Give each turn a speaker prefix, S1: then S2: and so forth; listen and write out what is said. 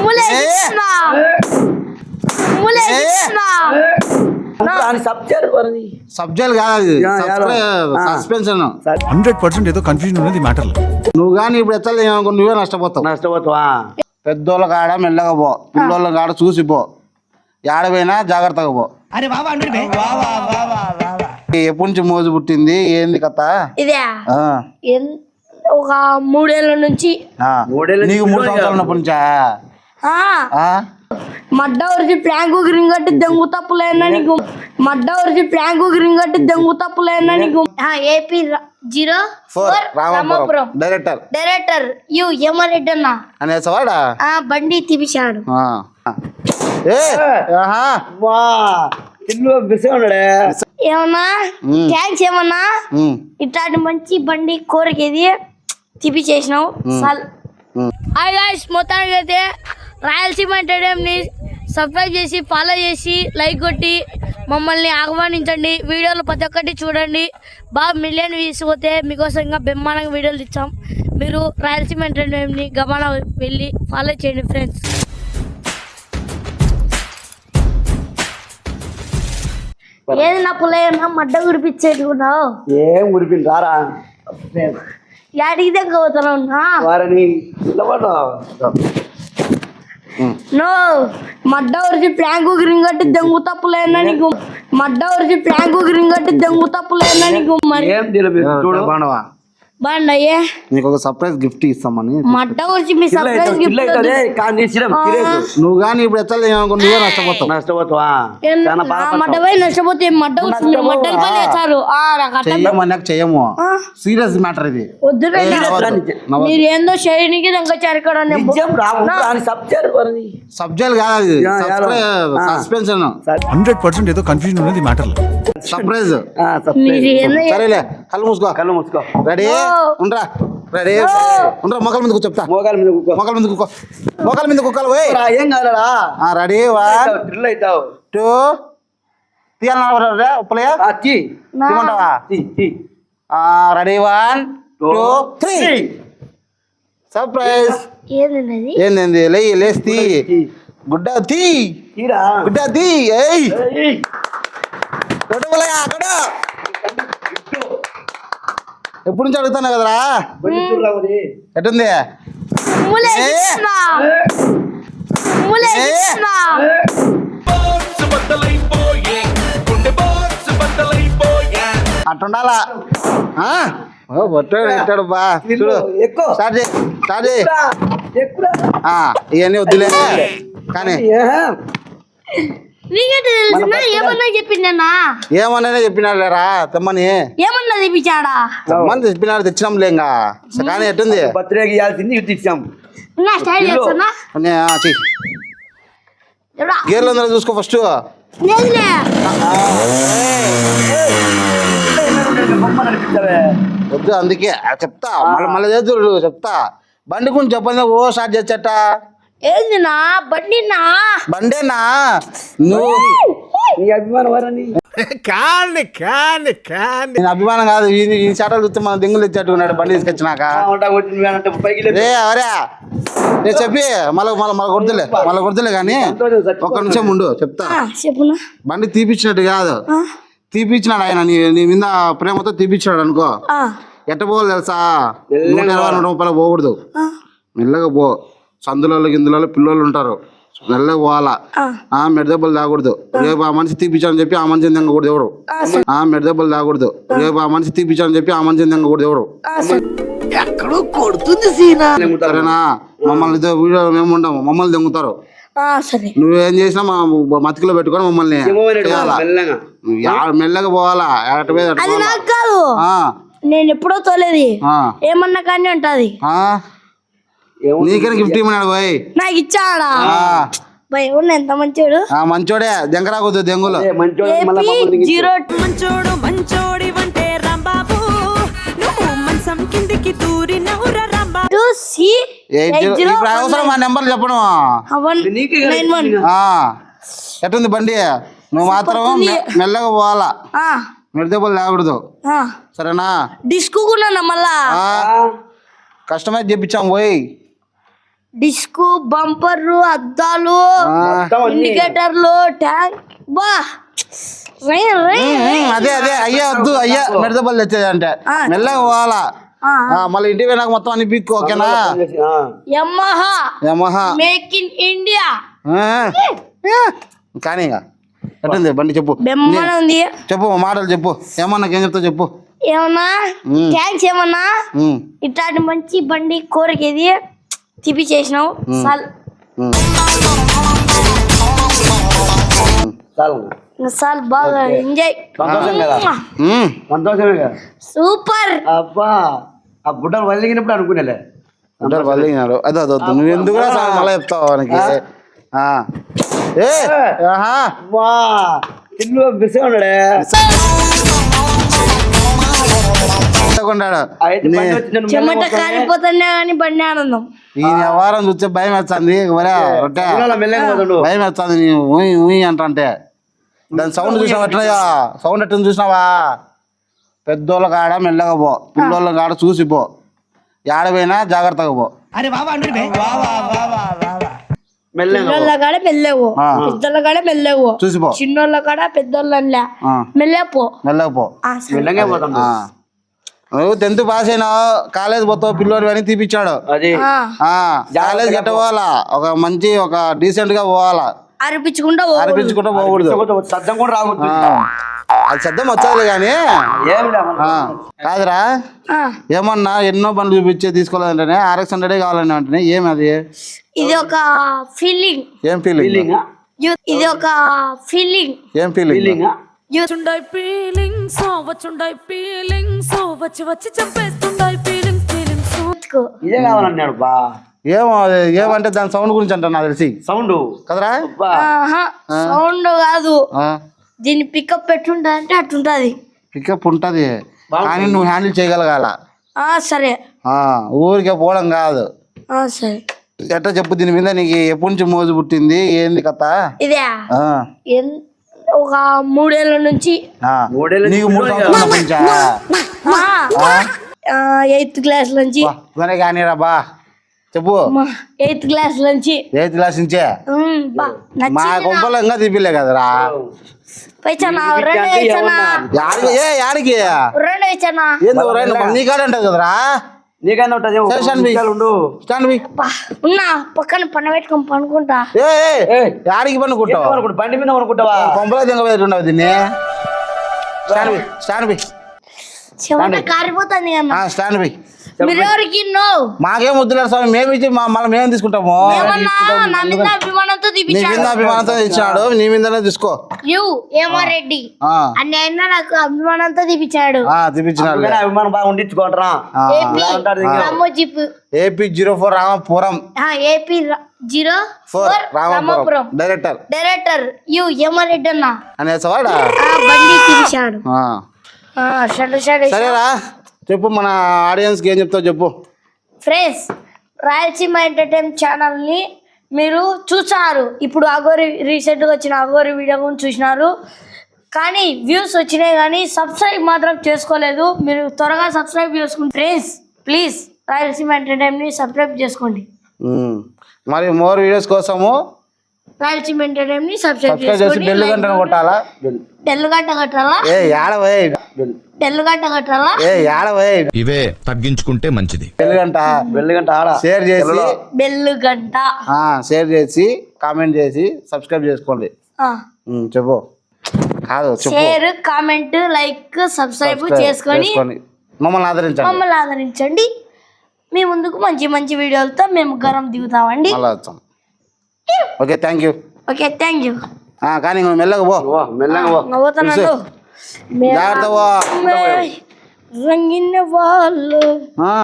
S1: Subject కాదు, suspension.
S2: 100% ఏదో confusion ఉన్నది మ్యాటర్.
S1: నువ్వు కానీ ఇప్పుడు ఎత్తలే నువ్వే నష్టపోతావా. పెద్దోళ్ళ కాడ మెల్లగా పో, పిల్లోళ్ళ కాడ చూసిపో, ఏడపోయినా జాగ్రత్తగా పో. ఎప్పటి నుంచి మోజు పుట్టింది, ఏంది కథ?
S3: ఇదే ఒక 3 ఏళ్ళ నుంచి.
S1: నీకు 3 సంవత్సరాల ఉన్నప్పటి నుంచా?
S3: మడ్డ వరిచి ప్లాంకు గ్రీన్ కట్టి దెంగు తప్పులేనా నీకు? మడ్డ వరిచి ప్లాంకు గ్రీన్ కట్టి దెంగు తప్పులేనా నీకు? AP 04 రామాపురం డైరెక్టర్ యమరెడ్డి అన్న
S1: అనేసవాడా
S3: బండి తీపిచాడు. ఏమన్నా థ్యాంక్స్. ఏమన్నా ఇట్లాంటి మంచి బండి కోరికేది తీపిచేసినావు. హాయ్ గాయ్స్, మొత్తానికి అయితే రాయలసీమ ఎంటర్టైన్మెంట్ని సబ్స్క్రైబ్ చేసి ఫాలో చేసి లైక్ కొట్టి మమ్మల్ని ఆహ్వానించండి. వీడియోలు ప్రతి ఒక్కటి చూడండి. బాగా మిలియన్ వ్యూస్ పోతే మీకోసం ఇంకా బ్రహ్మాండంగా వీడియోలు ఇచ్చాం. మీరు రాయలసీమ ఎంటర్టైన్మెంట్ని గమనం వెళ్ళి ఫాలో చేయండి ఫ్రెండ్స్. ఏది నా పుల్లయ్యన్నా మడ్డ గురిపించేట్టుకున్నావు?
S4: ఏం గురిపింది రారా,
S3: యాడికి దగ్గర పోతున్నావు? నో మడ్డ వరిచి ప్లాంకు గ్రీన్ కట్టి దెంగు తప్పులేనా నీకు? మడ్డ వరిచి ప్లాంకు గ్రీన్ కట్టి దెంగు తప్పులేనా నీకు? మరి
S1: చూడు
S3: బాగున్నాయే.
S1: నీకు ఒక సర్ప్రైజ్ గిఫ్ట్ ఇస్తామని.
S3: మడ్డ వరిచి మీ సర్ప్రైజ్ గిఫ్ట్.
S1: నువ్వు కానీ ఇప్పుడు ఎత్తలే నువ్వే నష్టపోతావా.
S3: మడ్డపై నష్టపోతే మడ్డ మడ్డల పని వేస్తారు.
S1: చెయ్యము, సీరియస్ మ్యాటర్ ఇది.
S3: వద్దు మీరు ఏందో శైలికి దంగచారు ఇక్కడ.
S1: సబ్జెక్ట్ కాదు, సస్పెన్షన్.
S2: 100% ఏదో కన్ఫ్యూజన్ ఉన్నది మ్యాటర్.
S1: సర్ప్రైజ్. సరేలే, కళ్ళు మూసుకో. రెడీ ఉండరా, రెడీ ఉండరా. మొక్కల మీద చెప్తా. మొక్కల మీద కుక్కలు
S4: ఏం కాదా.
S1: రెడీ 1 2 తీయాలన్నా ఉప్పలయ్యా తీయమంటావా? రెడీ 1 2 3. సర్ప్రైజ్. ఏంది? లేస్తి గుడ్డ తీ. ఎప్పటి నుంచి అడుగుతాను కదరా. ఎట్టుంది? అట్టుండాలా. ఎట్టాడు బా చూడు. స్టార్ట్ చేయి. ఇవన్నీ వద్దులే కానీ ఏమన్నా చెప్పినాడులేరా తెమ్మని.
S3: ఏమన్నా తెప్పించాడా?
S1: తెమ్మని చెప్పినాడు, తెచ్చినాంలే. ఇంకా కానీ ఎట్టుంది?
S4: బర్త్డేకి ఇవ్వాల్సింది ఇటు ఇచ్చాం.
S1: గేర్లు అందరూ చూసుకో ఫస్ట్. వద్దు అందుకే చెప్తా. మళ్ళీ చెప్తా. బండి గురించి చెప్పండి. ఓ స్టార్ట్ చేచ్చట.
S3: ఏందినా బండినా?
S1: బండేనా? నువ్వు
S4: నీ అభిమానం వరని
S1: నేను అభిమానం కాదు. ఈ చాటలు చూస్తే మన దెంగులు తెచ్చేట్టుకున్నాడు బండి తీసుకొచ్చినాక. చెప్పి మళ్ళీ కొడుతులే కానీ ఒక్క నిమిషం ఉండు చెప్తా. బండి తీపిచ్చినట్టు కాదు, తీపిచ్చినాడు ఆయన. నీ మీద ప్రేమతో తీపిచ్చినాడు అనుకో. ఎట్ట పోవాలి తెలుసా? 120-130 పోకూడదు. మెల్లగా పో. సందులలో గిందులలో పిల్లలు ఉంటారు, మెల్లగా పోవాలా. మెడదెబ్బలు తాగకూడదు. రేపు ఆ మనిషి తీపిచ్చాలని చెప్పి ఆ మనిషిని తెంగకూడదు ఎవరు. మెడదెబ్బలు తాగకూడదు. రేపు ఆ మనిషి తీపిచ్చాలని చెప్పి ఆ మనిషిని తెంగకూడదు ఎవరు.
S4: ఎక్కడో కొడుతుంది సీనా.
S1: సరేనా? మమ్మల్ని వీడియో మేము ఉండము, మమ్మల్ని తెంగుతారు. నువ్వేం చేసినా మా మతికిలో పెట్టుకొని మమ్మల్ని మెల్లగా పోవాలా.
S3: నేను ఎప్పుడో తోలేదు. ఏమన్నా కానీ ఉంటది.
S1: నీకైనా గిఫ్ట్ ఇమ్మన్నాడు పోయి.
S3: నాకు ఇచ్చాడా? ఎంత మంచోడు.
S1: మంచోడే, దెంగరాకూడదు దెంగులు. అవసరం మా నెంబర్లు చెప్పను. ఎట్టుంది బండి? నువ్వు మాత్రం మెల్లగా పోవాలా, మెడదెబ్బలు తాగకూడదు. సరేనా?
S3: డిస్కు మళ్ళా
S1: కస్టమైజ్ చేపించాం పోయి.
S3: డిస్క్ బంపర్లు అద్దాలు
S4: మొత్తం అన్ని.
S3: ఇండికేటర్లు ట్యాంక్ బా రై, రై, రై.
S1: అదే అదే అయ్యా వద్దు అయ్యా మెడదబల్ తెచ్చేది అంటే మెల్లగా పోవాలా మళ్ళీ ఇంటికి పోయినాక మొత్తం అని పీక్కు ఓకేనా
S3: Yamaha
S1: Yamaha
S3: make in India
S1: కానీ ఇంకా ఎట్టుంది బండి చెప్పు
S3: బెమ్మన ఉంది
S1: చెప్పు మాటలు చెప్పు ఏమన్నా ఏం చెప్తావు చెప్పు
S3: ఏమన్నా థ్యాంక్స్ ఏమన్నా ఇట్లాంటి మంచి బండి కోరికేది తిప్పిచేసినావు సాల్ బాగా ఎంజాయ్
S4: సంతోషం కదా సంతోషమే కదా
S3: సూపర్
S4: అబ్బా ఆ గుడ్డలు వదిలిగినప్పుడు అనుకునేలే
S1: అందరు వదిలినారు అదే అదొద్దు నువ్వు ఎందుకు మళ్ళీ చెప్తావు వానికి ఏ ఆహా
S4: వా ఇల్లు బిసిగా ఉన్నాడే
S1: కొన్నాడు
S4: అయితే బండి వచ్చి నన్ను
S3: చెమట కాలిపోతున్నా కానీ బండి ఆనందం
S1: ఈ వారం చూస్తే భయం వేస్తుంది రొట్టె
S4: మెల్లగా పోతాడు
S1: భయం వేస్తుంది నీ ఊయి ఊయి అంటే దాని సౌండ్ చూసినావా ఎట్లా సౌండ్ ఎట్లా చూసినావా పెద్దోళ్ళ కాడ మెల్లగా పో పిల్లోళ్ళ కాడ చూసి పో ఏడపోయినా జాగ్రత్తగా పో
S4: మెల్లగా
S3: పిల్లల కాడ మెల్లవు పెద్దల కాడ మెల్లవు
S1: చూసిపో
S3: చిన్నోళ్ళ కాడ పెద్దోళ్ళ మెల్లపో
S1: మెల్లగా పో
S4: మెల్లగా పోతాం
S1: నువ్వు 10th పాస్ అయినావు కాలేజ్ పోతావు పిల్లోని అని తీపిచ్చాడు
S4: అది
S1: కాలేజ్ గట్ట పోవాలా ఒక మంచి ఒక డీసెంట్ గా పోవాలా
S3: అరిపించుకుంటా
S1: అనిపించుకుంటా పోకూడదు
S4: శబ్దం కూడా రావద్దు
S1: అది శబ్దం వచ్చేది కానీ
S4: ఏం
S1: కాదురా ఏమన్నా ఎన్నో బండ్లు చూపించే తీసుకోలేదంటే RX-100 కావాలని అంటే ఏమి అది
S3: ఇది ఒక ఫీలింగ్
S1: ఏం ఫీలింగ్
S3: ఇది ఒక ఫీలింగ్
S1: ఏం ఫీలింగ్
S5: వచ్చుండై ఫీలింగ్స్ వచ్చుండై ఫీలింగ్స్ వచ్చి వచ్చి చంపేస్తుండై ఫీలింగ్స్
S4: ఇదే కావాలన్నాడు బా
S1: ఏమో అది ఏమంటే దాని సౌండ్ గురించి అంట నాకు తెలిసి
S4: సౌండ్
S1: కదరా
S3: సౌండ్ కాదు దీన్ని పికప్ పెట్టుంటా అంటే అట్టుంటది
S1: పికప్ ఉంటది కానీ నువ్వు హ్యాండిల్ చేయగలగాల
S3: సరే
S1: ఊరికే పోవడం కాదు
S3: సరే
S1: ఎట్లా చెప్పు దీని మీద నీకు ఎప్పటి నుంచి మోజు పుట్టింది ఏంది కథ
S3: ఇదే ఒక 3 ఏళ్ళ నుంచి
S1: నీకు 3 సంవత్సరాల నుంచా
S3: 8th క్లాస్ నుంచి
S1: కానీ రా బా చెప్పు
S3: 8th క్లాస్ నుంచి
S1: 8th క్లాస్ నుంచే మా కొంపలో ఇంకా తీపిలే కదరా యాడికి ఏంది నీ కాడ ఉంటుంది కదరా
S4: నీకన్నా ఉంటది
S3: ఉన్నా పక్కన పని పెట్టుకొని పనుకుంటా
S1: యాడికి పనుకుంటావు
S4: బండి మీద అనుకుంటావా
S1: కొంపలో దింగబెట్టుండవు దీన్ని స్టాండ్ బి
S3: చెమట కారిపోతుంది కదా
S1: స్టాండ్ బి
S3: మీరెవరికి
S1: మాకేం వద్దులేరు స్వామి మేము ఇచ్చి మళ్ళీ మేము తీసుకుంటాము
S3: నా మీద అభిమానంతో
S1: నీ మీద అభిమానంతో ఇచ్చినాడు నీ మీదనే తీసుకో
S3: రెడ్డి అన్న నాకు అభిమానంతో తీపిచ్చాడు
S1: తీపించినాడు
S4: అభిమానం బాగా ఉండించుకోండిరా
S1: AP 04 Ramapuram
S3: AP 04 Ramapuram director Reddy అన్న
S1: అనేసవాడా
S3: బండి తీపిచ్చాడు
S1: సరేరా చెప్పు మన ఆడియన్స్ కి ఏం చెప్తావు చెప్పు
S3: ఫ్రెండ్స్ రాయలసీమ ఎంటర్టైన్మెంట్ ఛానల్ ని మీరు చూసారు ఇప్పుడు అగోరి రీసెంట్ గా వచ్చిన అగోరి వీడియో గురించి చూసినారు కానీ వ్యూస్ వచ్చినాయి కానీ సబ్స్క్రైబ్ మాత్రం చేసుకోలేదు మీరు త్వరగా సబ్స్క్రైబ్ చేసుకోండి ఫ్రెండ్స్ ప్లీజ్ రాయలసీమ ఎంటర్టైన్మెంట్ ని సబ్స్క్రైబ్ చేసుకోండి
S1: మరి మోర్ వీడియోస్ కోసము
S3: రాయలసీమ ఎంటర్టైన్మెంట్ ని సబ్స్క్రైబ్
S1: చేసి
S3: చేసుకోండి
S1: బెల్ గంటను కొట్టాలా
S3: బెల్ గంట కట్టాలా బెల్ గంట కట్టాలా
S6: ఇవే తగ్గించుకుంటే మంచిది
S1: బెల్ గంట షేర్ చేసి
S3: బెల్ గంట
S1: షేర్ చేసి కామెంట్ చేసి సబ్స్క్రైబ్ చేసుకోండి చెప్పు కాదు
S3: షేర్ కామెంట్ లైక్ సబ్స్క్రైబ్ చేసుకొని మమ్మల్ని ఆదరించండి మీ ముందుకు మంచి మంచి వీడియోలతో మేము గరం దిగుతామండి
S1: ఓకే థ్యాంక్ యూ కానీ మెల్లగా పో
S3: పోతున్నాను
S1: జాగ్రత్త పో
S3: రంగిన వాళ్ళు